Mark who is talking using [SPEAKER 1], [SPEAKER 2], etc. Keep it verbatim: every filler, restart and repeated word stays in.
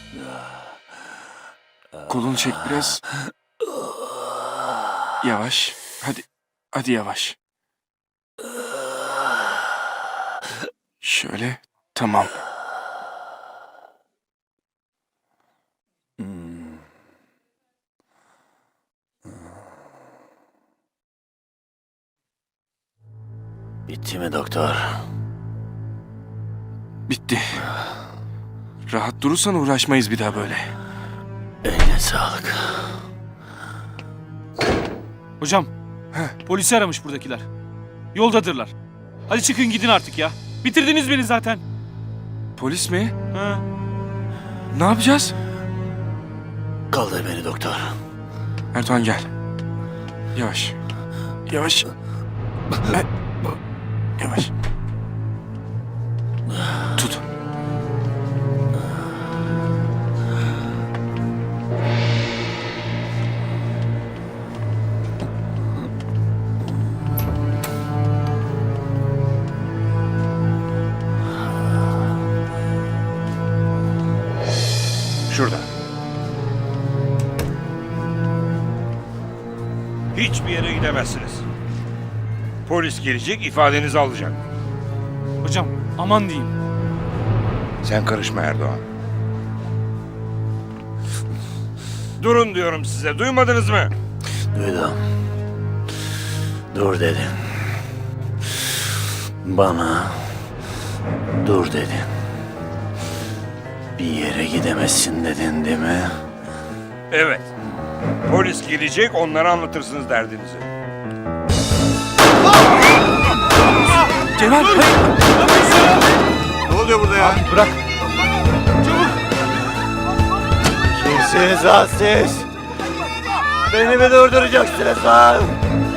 [SPEAKER 1] Kolunu çek biraz. Yavaş. Hadi. Hadi yavaş. Şöyle. Tamam.
[SPEAKER 2] Bitti mi doktor?
[SPEAKER 1] Bitti. Rahat durursan uğraşmayız bir daha böyle.
[SPEAKER 2] Eline sağlık.
[SPEAKER 3] Hocam, polisi aramış buradakiler. Yoldadırlar. Hadi çıkın gidin artık ya. Bitirdiniz beni zaten.
[SPEAKER 1] Polis mi?
[SPEAKER 3] Ha.
[SPEAKER 1] Ne yapacağız?
[SPEAKER 2] Kaldır beni doktor.
[SPEAKER 1] Erdoğan gel. Yavaş. Yavaş. E, Yavaş. Tut.
[SPEAKER 4] Şurada. Hiçbir yere gidemezsiniz. Polis gelecek, ifadenizi alacak.
[SPEAKER 3] Hocam, aman diyeyim.
[SPEAKER 4] Sen karışma Erdoğan. Durun diyorum size, duymadınız mı?
[SPEAKER 2] Duydum. Dur dedim. Bana dur dedin. Bir yere gidemezsin dedin değil mi?
[SPEAKER 4] Evet. Polis gelecek, onlara anlatırsınız derdinizi.
[SPEAKER 1] Cemal.
[SPEAKER 5] Ne oluyor burada ya?
[SPEAKER 1] Bırak.
[SPEAKER 2] Kimsiniz lan siz? Beni mi durduracaksınız lan?